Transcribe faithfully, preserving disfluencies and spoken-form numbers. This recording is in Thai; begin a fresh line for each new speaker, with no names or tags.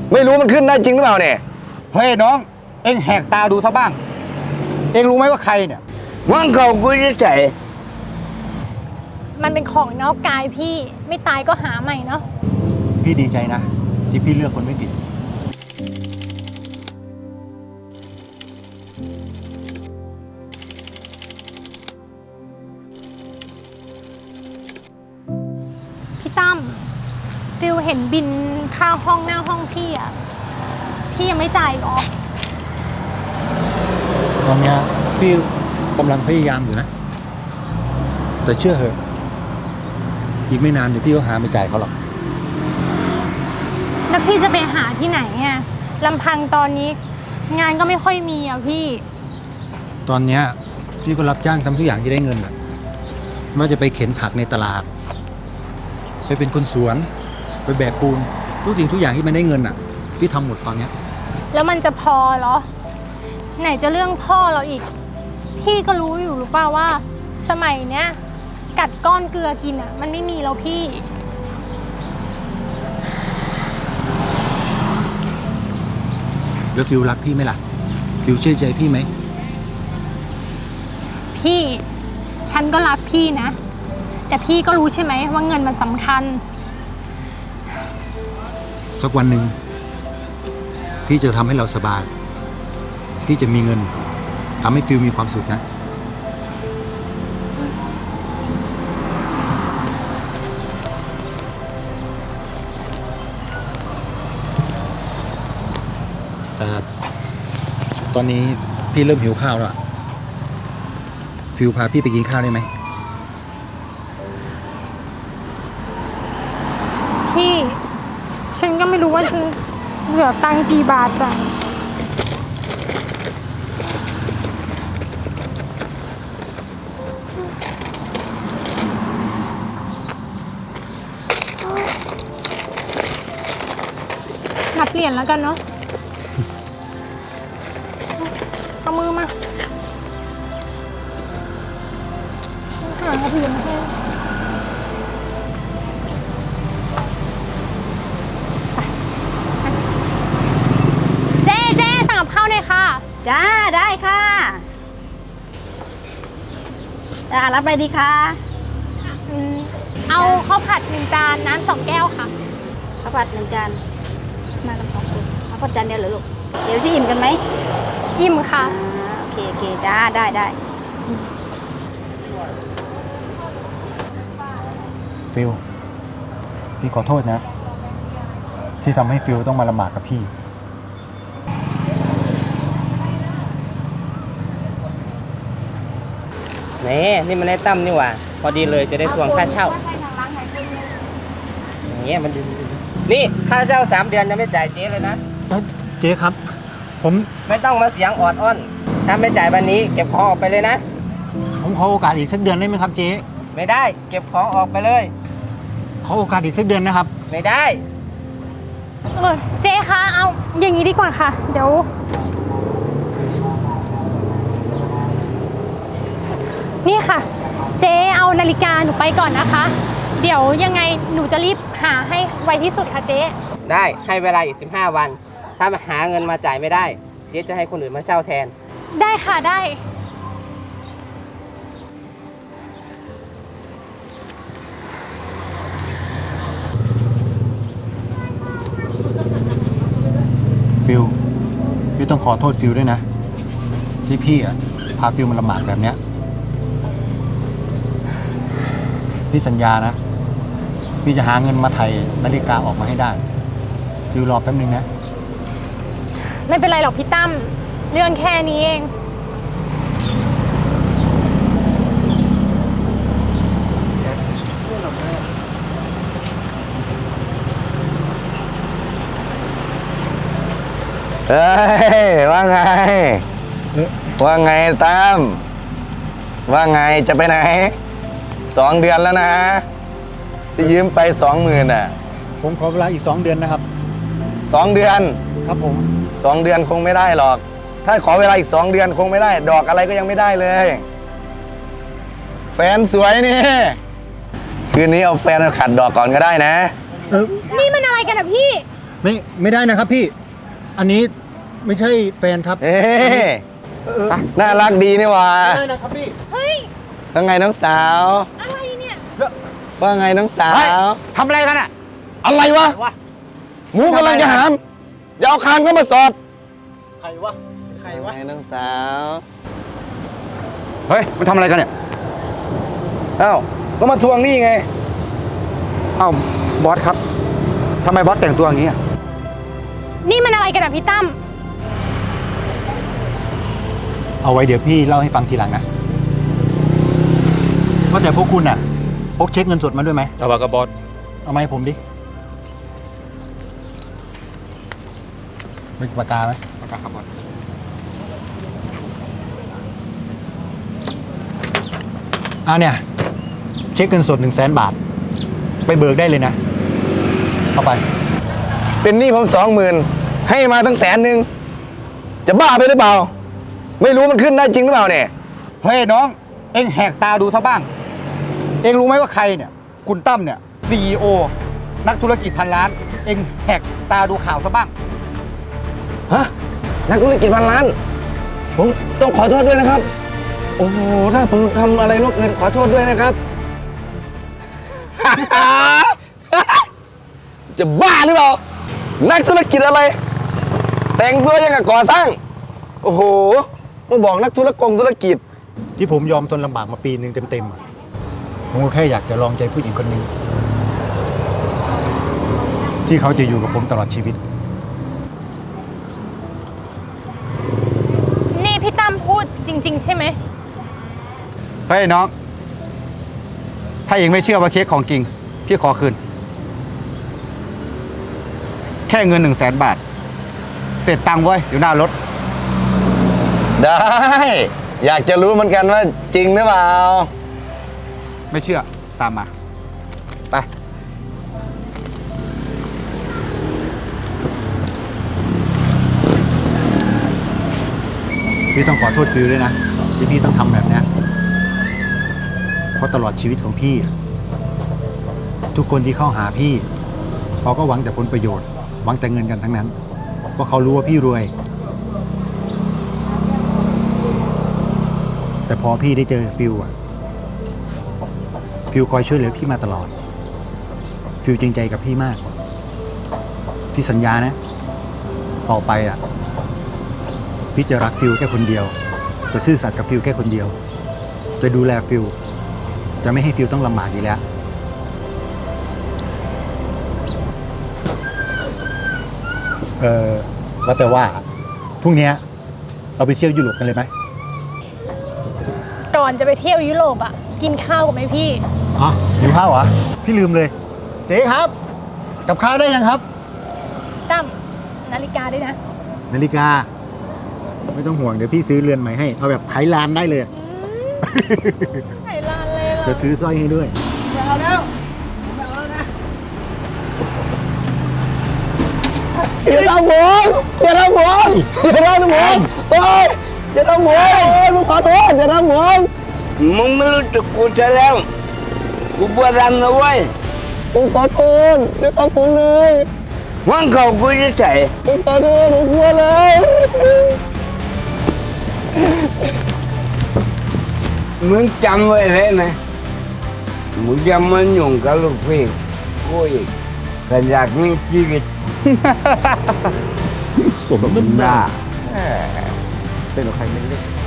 ไม่รู้มันขึ้นได้จริงหรือเปล่าเนี่ย
เฮ้ยน้องเอ็งแหกตาดูซะบ้างเอ็งรู้ไหมว่าใครเนี่ย
ว่างเขากูจะใจ
มันเป็นของนอกกายพี่ไม่ตายก็หาใหม่เนาะ
พี่ดีใจนะที่พี่เลือกคนไม่ผิด
พี่ตั้มฟิลเห็นบินค่าห้องหน้าห้องพี่อะพี่ยังไม่จ่ายหรอ
ตอนนี้พี่กำลังพยายามอยู่นะแต่เชื่อเหอะอีกไม่นานเดี๋ยวพี่ก็หาไม่จ่ายเขาหรอก
แล้วพี่จะไปหาที่ไหนอะลำพังตอนนี้งานก็ไม่ค่อยมีอะพี่
ตอนนี้พี่ก็รับจ้างทำทุกอย่างที่ได้เงินอะไม่ว่าจะไปเข็นผักในตลาดไปเป็นคนสวนไปแบกปูนทุกสิ่งทุกอย่างที่มันได้เงินอะพี่ทำหมดตอนนี้
แล้วมันจะพอเหรอไหนจะเรื่องพ่อเราอีกพี่ก็รู้อยู่หรือเปล่าว่าสมัยเนี้ยกัดก้อนเกลือกินอ่ะมันไม่มีแล้วพี่
แล้วฟิวรักพี่ไหมล่ะฟิวเชื่อใจพี่ไหม
พี่ฉันก็รักพี่นะแต่พี่ก็รู้ใช่ไหมว่าเงินมันสำคัญ
สักวันหนึ่งพี่จะทำให้เราสบายพี่จะมีเงินทำให้ฟิวมีความสุขนะแต่ตอนนี้พี่เริ่มหิวข้าวแล้วฟิวพาพี่ไปกินข้าวได้ไหม
พี่ฉันก็ไม่รู้ว่าฉันเหลือตังค์กี่บาทอ่ะนับเหรียญแล้วกันเนาะเอามือมาหาเหรียญให้เจ๊เจ๊สั่งกับข้าวหน่อยค่ะ
จ้าได้ค่ะจ้ารับไปดีค่ะ
เอาข้าวผัดหนึ่งจานน้ำสองแก้วค่ะ
ข้าวผัดหนึ่งจานมากันสองคนข้าวผัดจานเดียวเหรอลูกเดี๋ยวจะอิ่มกันไหม
อิ่มค่ะ
โอเคโอเคจ้าได้ได้
ฟิวพี่ขอโทษนะที่ทำให้ฟิวต้องมาลำบากกับพี่
นี่นี่มันได้ตั้มนี่หว่าพอดีเลยจะได้ทวงค่าเช่าอย่างเงี้ยมันดีนี่ค่าเช่าสามเดือนยังไม่จ่ายเจ๊เลยนะ
เจ๊ครับผม
ไม่ต้องมาเสียงออดอ้อนถ้าไม่จ่ายวันนี้เก็บของออกไปเลยนะ
ผมขอโอกาสอีกสักเดือนได้ไหมครับเจ๊
ไม่ได้เก็บของออกไปเลย
ขอโอกาสอีกสักเดือนนะครับ
ไม่ได้
เออเจ๊คะเอาอย่างนี้ดีกว่าค่ะเดี๋ยวนี่ค่ะเจ๊เอานาฬิกาหนูไปก่อนนะคะเดี๋ยวยังไงหนูจะรีบหาให้ไวที่สุดค่ะเจ๊
ได้ให้เวลาอีกสิบห้าวันถ้ามาหาเงินมาจ่ายไม่ได้เจ๊จะให้คนอื่นมาเช่าแทน
ได้ค่ะได้
ฟิวพี่ต้องขอโทษฟิวด้วยนะที่พี่อ่ะพาฟิวมันลำบากแบบเนี้ยพี่สัญญานะพี่จะหาเงินมาไถ่นาฬิกาออกมาให้ได้ฟิวรอแป๊บนึงนะ
ไม่เป็นไรหรอกพี่ตั้มเรื่องแค่นี้เอง
เฮ้ยว่าไงว่าไงตั้มว่าไงจะไปไหนสองเดือนแล้วนะที่ยืมไปสองหมื่นอ่ะ
ผมขอเวลาอีกสองเดือนนะครับ
สองเดือน
ครับผม
สองเดือนคงไม่ได้หรอกถ้าขอเวลาอีกสองเดือนคงไม่ได้ดอกอะไรก็ยังไม่ได้เลยแฟนสวยนี่คืนนี้เอาแฟนขัดดอกก่อนก็ได้นะ
นี่มันอะไรกันอ่ะพี่
ไม่ไม่ได้นะครับพี่ อันนี้ไม่ใช่แฟนครับ
เอ๊ะน่ารักดีนี่หว่า
ไม่ได้นะครับพี่
เฮ้ย
ว่าไงน้องสาว
อะไรเนี่ย
ว่าไงน้องสา
เฮ้ยว ทำอะไรกันอ่ะ
อะไรวะ
วะ
หมูกำลังจะหามอย่าเอาคางเข้ามาสอด
ใครวะใครวะ
ไงน้องสาว
เฮ้ยมันทำอะไรกันเนี่ย
เอ้าก็มาทวงหนี่ไง
เอ้าบอสครับทำไมบอสแต่งตัวอย่างนี้อะ
นี่มันอะไรกันอะพี่ตั้ม
เอาไว้เดี๋ยวพี่เล่าให้ฟังทีหลังนะว่าแต่พวกคุณอ่ะพกเช็คเงินสดมาด้วยไหม
เอาปากกระบอส
เอามาให้ผมดิเป็นปากกาไหม
ปากกาครับบอส
อ่าเนี่ย เช็คเงินสดหนึ่งแสนบาท ไปเบิกได้เลยนะ เอาไป
เป็นหนี้ผมสองหมื่นให้มาตั้งแสนหนึ่งจะบ้าไปหรือเปล่า ไม่รู้มันขึ้นได้จริงหรือเปล่าเนี่ย
เฮ้ยน้อง เอ็งแหกตาดูซะบ้าง เอ็งรู้ไหมว่าใครเนี่ย คุณตั้มเนี่ย ซี อี โอ นักธุรกิจพันล้าน เอ็งแหกตาดูข่าวซะบ้าง
ฮะนักธุรกิจพันล้าน ผมต้องขอโทษด้วยนะครับ โอ้โหถ้าผมทำอะไรล่วงเกินขอโทษด้วยนะครับ จะบ้าหรือเปล่า นักธุรกิจอะไร แต่งตัวยังกับก่อสร้าง โอ้โหมาบอกนักธุรกงธุรกิจ
ที่ผมยอมทนลำบากมาปีหนึ่งเต็มๆอะผมก็แค่อยากจะลองใจผู้หญิงคนหนึ่งที่เขาจะอยู่กับผมตลอดชีวิต
นี่พี่ตั้มพูดจริง ๆ ใช่ไหม
เฮ้ยน้อง ถ้าเองไม่เชื่อว่าเค้กของจริง พี่ขอคืน แค่เงินหนึ่งแสนบาท เสร็จตังค์ไว้อยู่หน้ารถ
ได้ อยากจะรู้เหมือนกันว่าจริงหรือเปล่า
ไม่เชื่อ ตามมา ไป พี่ต้องขอโทษฟิวด้วยนะ ที่พี่ต้องทำแบบเนี้ยเพราะตลอดชีวิตของพี่อะทุกคนที่เข้าหาพี่เขาก็หวังแต่ผลประโยชน์ หวังแต่เงินกันทั้งนั้น เพราะเขารู้ว่าพี่รวย แต่พอพี่ได้เจอฟิวอะฟิวคอยช่วยเหลือพี่มาตลอด ฟิวจริงใจกับพี่มาก พี่สัญญานะ ต่อไปอ่ะ พี่จะรักฟิวแค่คนเดียว จะซื่อสัตย์กับฟิวแค่คนเดียว จะดูแลฟิว จะไม่ให้ฟิวต้องลำบากอีกแล้ว เออว่าแต่ว่าพรุ่งนี้เราไปเที่ยวยุโรปกันเลยไหม
ก่อนจะไปเที่ยวยุโรปอะกินข้าวกับไหมพี่
อ๋อหิวข้าวเหรอ พี่ลืมเลย เจ๊ครับ กับข้าวได้ยังครับ
ตั้มนาฬิกาด้วยนะ
นาฬิกา ไม่ต้องห่วงเดี๋ยวพี่ซื้อเรือนใหม่ให้ เอาแบบไทยลานได้เลย
ไหนลานเลยล่ะ
เดี๋ยวซื้อสร้อยให้ด้วย
อย่าทำผมอย่าทำผมอย่าทำผมโอ้ยอย่าทำผมโอ้ยผมขอโทษอย่าทำผม
มึงไม่รู้จักกูซะแล้ว กูบวรันนะเว้ย
ผมขอโทษอย่าทำผมเลย
ว่างเขากูจะใส่
ผมขอโทษผมกลัวแล้ว
มึงจำไว้เลยนะ มึงจะมาหยุ่งกับลูกพี่กูอีกแต่อยากมีชีวิต สมน้ำหน้า
เป็นของใครไม่รู้